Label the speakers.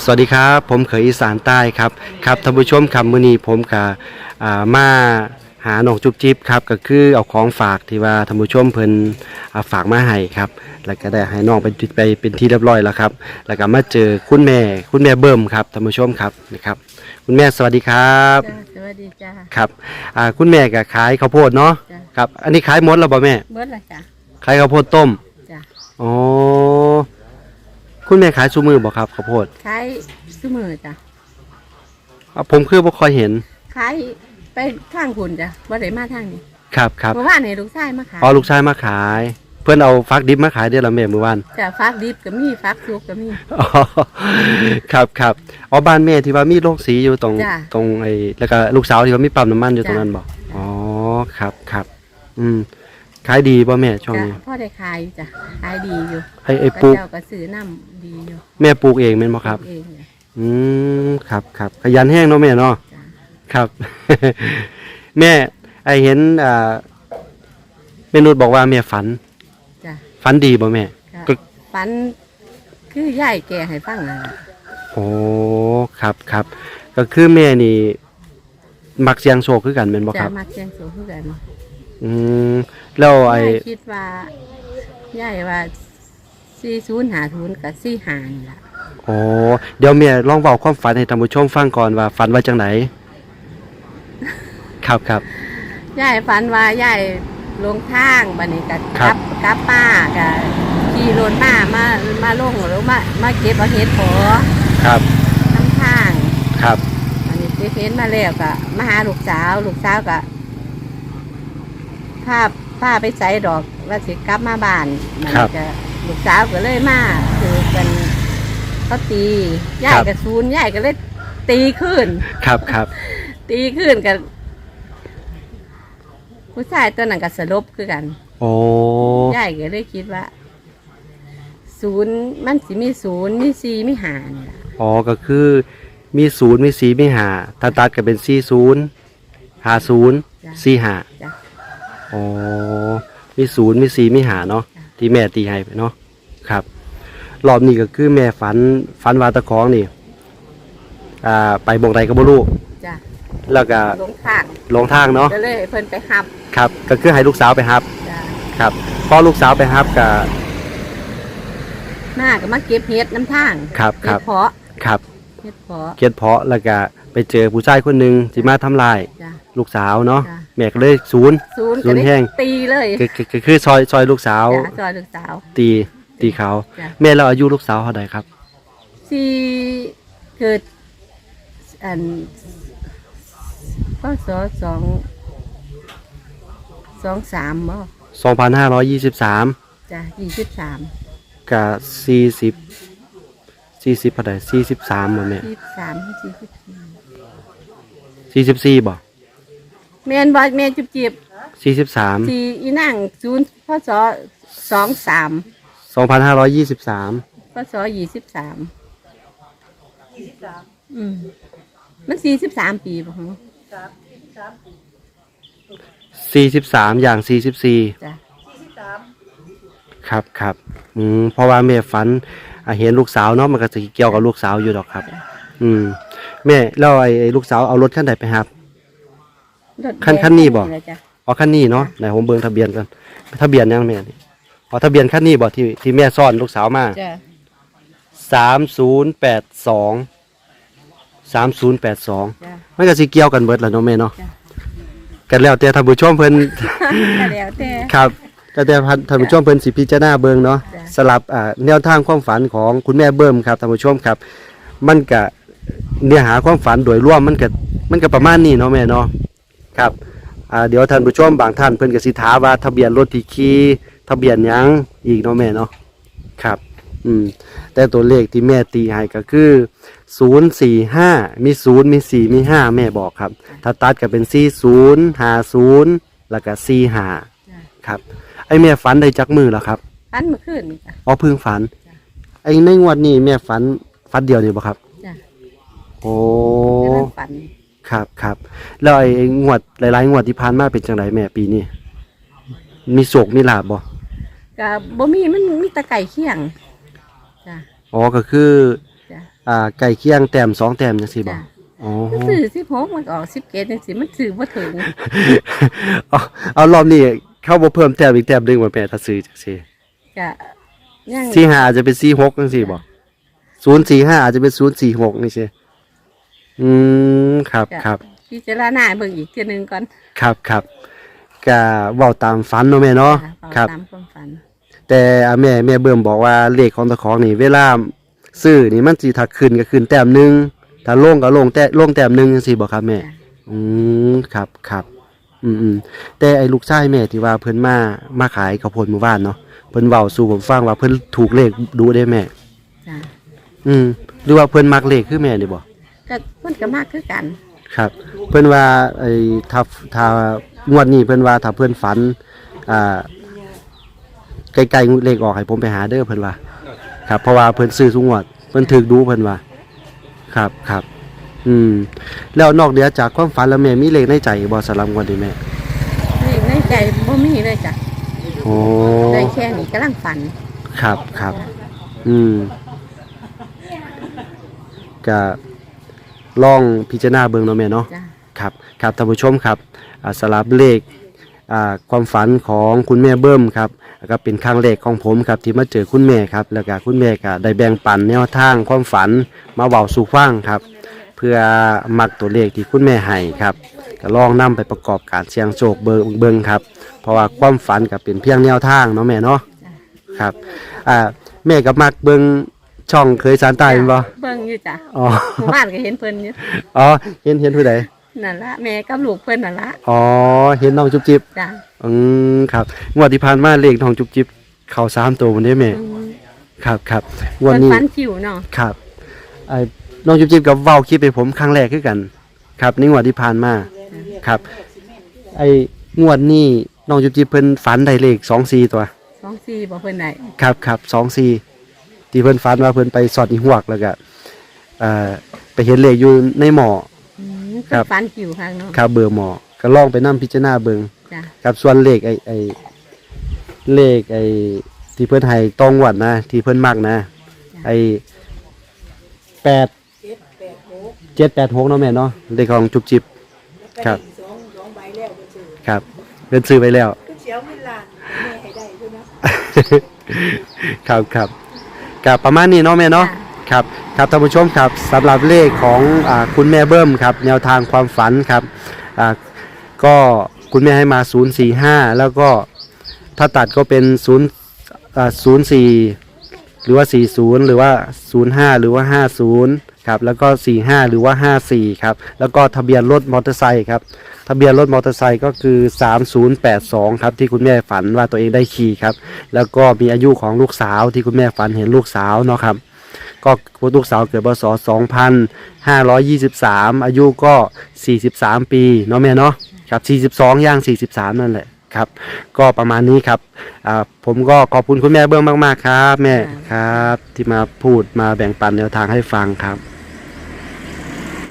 Speaker 1: สวัสดีครับผมเขยอีสานใต้ครับท่านผู้ชมครับมื้อนี้ผมกับมาหาน้องจุ๊บจิ๊บครับก็คือเอาของฝากที่ว่าท่านผู้ชมเพิ่นฝากมาให้ครับแล้วก็ได้ให้น้องไปเป็นที่เรียบร้อยแล้วครับแล้วก็มาเจอคุณแม่เบิ่มครับท่านผู้ชมครับนะครับคุณแม่สวัสดีครับ
Speaker 2: จ้าสวัสดีจ้า
Speaker 1: ครับคุณแม่ก็ขายข้าวโพดเนาะครับอันนี้ขายหมดแล้วบ่แม่
Speaker 2: เบิดละจ้า
Speaker 1: ขายข้าวโพดต้ม
Speaker 2: จ้า
Speaker 1: อ๋อคุณแม่ขายซุมื้อบ่ครับข้าวโพด
Speaker 2: ขายซุมื้อจ้า
Speaker 1: ผมคือบ่ค่อยเห็น
Speaker 2: ขายไปทางคุณจ้ะบ่ได้มาทางนี้
Speaker 1: ครับ
Speaker 2: เมื่อวานนี่ลูกชายมาขาย
Speaker 1: อ๋อลูกชายมาขายเพื่อนเอาฟักดิบมาขายได้ละแม่เมื่อวาน
Speaker 2: จ้ะฟักดิบก็มีฟักสุกก็มี
Speaker 1: อ๋อครับอ๋อบ้านแม่ที่ว่ามีโรงสีอยู่ตรงไอ้แล้วก็ลูกสาวที่ว่ามีปั๊มน้ำมันอยู่ตรงนั้นบ่อ๋อครับขายดีป่ะแม่ช่วงนี้
Speaker 2: พ่อได้ขายจ้ะขายดีอยู่
Speaker 1: ไอ้ปลูก
Speaker 2: เจ้าก็ซื้อน้ำดีอยู่
Speaker 1: แม่ปลูกเองแม่นบ่ครับ
Speaker 2: เอง
Speaker 1: ครับขยันแห้งเนาะแม่เนาะครับแม่ไอเห็นแม่นุชบอกว่าแม่ฝันดีบ่แม่
Speaker 2: ฝันคือยายแกให้ฟังน่ะ
Speaker 1: โอ้ครับก็คือแม่นี่มักเสียงโชคคือกันแม่นบ่ครับ
Speaker 2: มักเสียงโชคคือกัน
Speaker 1: แล้วไอ้
Speaker 2: คิดว่ายายว่า4050กับ45นี่ล่ะ
Speaker 1: โอ้เดี๋ยวแม่ลองเว้าความฝันให้ท่านผู้ชมฟังก่อนว่าฝันว่าจังไดครับ
Speaker 2: ยายฝันว่ายายลงทางบัดนี้ก็กลับป้าก็ขี่รถมาลงแล้วมาเก็บเอาเห็ดพอ
Speaker 1: ครับ
Speaker 2: ทั้งทาง
Speaker 1: ครับ
Speaker 2: อันนี้เก็บเห็ดมาแล้วก็มาหาลูกสาวก็พาไปใส่ดอกว่าสิกลับมาบ้านมันก็ลูกสาวก็เลยมาคือเป็นเขาตียายกับซูนยายก็เลยตีขึ้น
Speaker 1: ครับ
Speaker 2: ตีขึ้นกันผู้ชายตัวนั้นก็สลบคือกัน
Speaker 1: โอ้
Speaker 2: ยายก็เลยคิดว่า0มันสิมี0มี4มี5นี่ล่ะ
Speaker 1: อ๋อก็คือมี0มี4มี5ถ้าตัดก็เป็น40 50 45
Speaker 2: จ้ะ
Speaker 1: อ๋อมี0มี4มี5เนาะที่แม่ตีให้เนาะครับรอบนี้ก็คือแม่ฝันว่าตะของนี่ไปบ่งใดก็บ่รู้
Speaker 2: จ้ะ
Speaker 1: แล้วก็ลงทางเนาะ
Speaker 2: ก็เลยเพิ่นไปฮับ
Speaker 1: ครับก็คือให้ลูกสาวไปฮับครับพอลูกสาวไปฮับก็
Speaker 2: มาเก็บเห็ดน้ำทาง
Speaker 1: เห็ด
Speaker 2: เพาะ
Speaker 1: ครับ
Speaker 2: เห็ด
Speaker 1: เพาะแล้วก็ไปเจอผู้ชายคนนึงที่มาทำลายลูกสาวเนาะแม่ก็เลยศูนย์แห้ง
Speaker 2: ตีเลย
Speaker 1: คือซอยลูกสาว
Speaker 2: ซอยลูกสาว
Speaker 1: ตีเขาแม่เราอายุลูกสาวเท่าไหร่ครับ
Speaker 2: ที่เกิดก็23บ่
Speaker 1: 2523
Speaker 2: จ้ะ23
Speaker 1: กับ40เท่าไหร่43บ่แม่44บ่
Speaker 2: แม่นบ่แม่จิบ
Speaker 1: 43
Speaker 2: ที่อีนาง0พศ23
Speaker 1: 2523
Speaker 2: พศ23มัน43ปีบ่ฮะ
Speaker 1: 43อย่าง44
Speaker 2: จ้ะ
Speaker 1: ครับเพราะว่าแม่ฝันเห็นลูกสาวเนาะมันก็จะเกี่ยวกับลูกสาวอยู่ดอกครับแม่แล้วไอ้ลูกสาวเอารถคันใดไปครับคันนี้บ่อ๋อคันนี้เนาะไหนผมเบิ่งทะเบียนกันทะเบียนยังแม่นี่อ๋อทะเบียนคันนี้บ่ที่แม่ซ่อนลูกสาวมา
Speaker 2: จ้ะ
Speaker 1: 3082มันก็สิเกี่ยวกันเบิดล่ะเนาะแม่เนาะกันแล้วแต่ท่านผู้ชมเพิ่น
Speaker 2: แล้วแต่
Speaker 1: ครับแต่ท่านผู้ชมเพิ่นสิพิจารณาเบิ่งเนาะสลับแนวทางความฝันของคุณแม่เบิ่มครับท่านผู้ชมครับมันก็เนื้อหาความฝันโดยรวมมันก็ประมาณนี้เนาะแม่เนาะครับเดี๋ยวท่านผู้ชมบางท่านเพิ่นก็สิถามว่าทะเบียนรถที่ขี่ทะเบียนหยังอีกเนาะแม่เนาะครับแต่ตัวเลขที่แม่ตีให้ก็คือ045มี0มี4มี5แม่บอกครับถ้าตัดก็เป็น40 50แล้วก็45ครับไอ้แม่ฝันได้จักมือแล้วครับ
Speaker 2: ฝันเมื่อคืน
Speaker 1: อ๋อเพิ่งฝันไอ้ในงวดนี้แม่ฝันเดียวนี่บ่ครับ
Speaker 2: จ้ะ
Speaker 1: โอ้
Speaker 2: ฝัน
Speaker 1: ครับแล้วไอ้งวดหลายๆงวดที่ผ่านมาเป็นจังไดแม่ปีนี้มีโชคมีลาภบ่
Speaker 2: ก็บ่มีมันมีตะไก่เคียงจ้ะ
Speaker 1: อ๋อก็คือ
Speaker 2: จ้ะ
Speaker 1: ใกล้เคียงแต้ม2แต้มจังซี่บ่
Speaker 2: จ้ะ
Speaker 1: อ๋อ
Speaker 2: ซื้อ16มันก็ออก17จังซี่มันซื้อบ่ถึง
Speaker 1: เอารอบนี้เข้าบ่เพิ่มแต้มอีกแต้มหนึงบ่แม่ถ้าซื้อจังซี่
Speaker 2: ก็ยัง
Speaker 1: 45อาจจะเป็น46จังซี่บ่045อาจจะเป็น046นี่ซี่ครับ
Speaker 2: จ้ะ
Speaker 1: ครับ
Speaker 2: พิจารณาเบิ่งอีกเทื่อนึงก่อน
Speaker 1: ครับครับก็เว้าตามฝันเนาะแม่เนาะ
Speaker 2: จ้ะเอา
Speaker 1: ครับ
Speaker 2: ตามความฝัน
Speaker 1: แต่แม่เบิ่มบอกว่าเลขของตะของนี่เวลาซื้อนี่มันสิถ้าขึ้นก็ขึ้นแต้มหนึงถ้าลงก็ลงแต้มหนึงจังซี่บ่ครับแม่
Speaker 2: จ้ะ
Speaker 1: ครับครับแต่ไอ้ลูกชายแม่ที่ว่าเพิ่นมาขายข้าวโพดหมู่บ้านเนาะเพิ่นเว้าสู่ผมฟังว่าเพิ่นถูกเลขดูได้แม่
Speaker 2: จ้ะ
Speaker 1: หรือว่าเพิ่นมักเลขคือแม่นี่บ่
Speaker 2: ก็มันก็มากคือกัน
Speaker 1: ครับ เพิ่นว่าไอ้ถ้างวดนี้เพิ่นว่าถ้าเพิ่นฝันอ่าใกล้ๆเลขออกให้ผมไปหาเด้อเพิ่นว่า ครับเพราะว่าเพิ่นซื้อทุกงวดเพิ่นถูกดูเพิ่นว่า ครับครับ แล้วนอกเหนือจากความฝันแล้วแม่มีเลขในใจบ่สำหรับงวดนี้แม่
Speaker 2: นี่ในใจบ่มีเลยจ้ะ
Speaker 1: โอ้
Speaker 2: ได้แค่นี้กำลังฝัน
Speaker 1: ครับครับก็ลองพิจารณาเบิ่งเนาะแม่เนาะ
Speaker 2: จ้ะ
Speaker 1: ครับครับท่านผู้ชมครับสลับเลขความฝันของคุณแม่เบิ้มครับก็เป็นครั้งแรกของผมครับที่มาเจอคุณแม่ครับแล้วก็คุณแม่ก็ได้แบ่งปันแนวทางความฝันมาเว้าสู่ฟังครับ เพื่อมักตัวเลขที่คุณแม่ให้ครับก็ลองนำไปประกอบการเสี่ยงโชคเบิ่งครับเพราะว่าความฝันก็เป็นเพียงแนวทางเนาะแม่เนาะครับแม่ก็มักเบิ่งช่องเคยสารตายแม่นบ่
Speaker 2: เบิ่งอยู่จ้ะ
Speaker 1: อ๋อ
Speaker 2: หมู่บ้านก็เห็นเพิ่นอยู่
Speaker 1: อ๋อเห็นผู้ใด
Speaker 2: นั่นละแม่กับลูกเพิ่นนั่นละ
Speaker 1: อ๋อเห็นน้องจุ๊บจิ๊บ
Speaker 2: จ้ะ
Speaker 1: ครับงวดที่ผ่านมาเลขน้องจุ๊บจิ๊บเข้า3ตัวบ่ได้แม่
Speaker 2: อืม
Speaker 1: ครับงว
Speaker 2: เพิ่
Speaker 1: ด
Speaker 2: น
Speaker 1: นี้
Speaker 2: ฝันคิวเนาะ
Speaker 1: ครับน้องจุ๊บจิ๊บกับเว้าคลิปให้ผมครั้งแรกคือกัน ครับในงวดที่ผ่านมาครับงวดนี้น้องจุ๊บจิ๊บเพิ่นฝันได้เลข24ตัว
Speaker 2: 24บ่เพิ่นได้
Speaker 1: ครับ24ที่เพิ่นฝันว่าเพิ่นไปสอดอีหวกแล้วก็ไปเห็นเลขอยู่ในหม้อ ค
Speaker 2: เพิ่
Speaker 1: รั
Speaker 2: น
Speaker 1: บ
Speaker 2: ฝันคิวข้างเนาะ
Speaker 1: ครับเบอร์หม้อก็ลองไปนํพิจารณาเบิ่ง
Speaker 2: จ้ะ
Speaker 1: ครับส่วนเลขเลขที่เพิ่นให้ตองวดนะที่เพิ่นมักนะ786เนาะแม่เนาะเลขของจุบจิบครับครับเพิ่นซื้อไปแล้ว
Speaker 3: เสียวเงินล้านแม่ให้ได้ด้วยนะ
Speaker 1: ครับกับประมาณนี้เนาะแม่เนาะครับท่านผู้ชมครับสำหรับเลขของคุณแม่เบิ้มครับแนวทางความฝันครับก็คุณแม่ให้มา045แล้วก็ถ้าตัดก็เป็น04หรือว่า40หรือว่า05หรือว่า50ครับแล้วก็45หรือว่า54ครับแล้วก็ทะเบียนรถมอเตอร์ไซค์ครับทะเบียนรถมอเตอร์ไซค์ก็คือ3082ครับที่คุณแม่ฝันว่าตัวเองได้ขี่ครับแล้วก็มีอายุของลูกสาวที่คุณแม่ฝันเห็นลูกสาวเนาะครับก็ลูกสาวเกิดพศ2523อายุก็43ปีเนาะแม่เนาะครับ42ย่าง43นั่นแหละครับก็ประมาณนี้ครับผมก็ขอบคุณคุณแม่เบื้องมากๆครับแม่ครับที่มาพูดมาแบ่งปันแนวทางให้ฟังครับ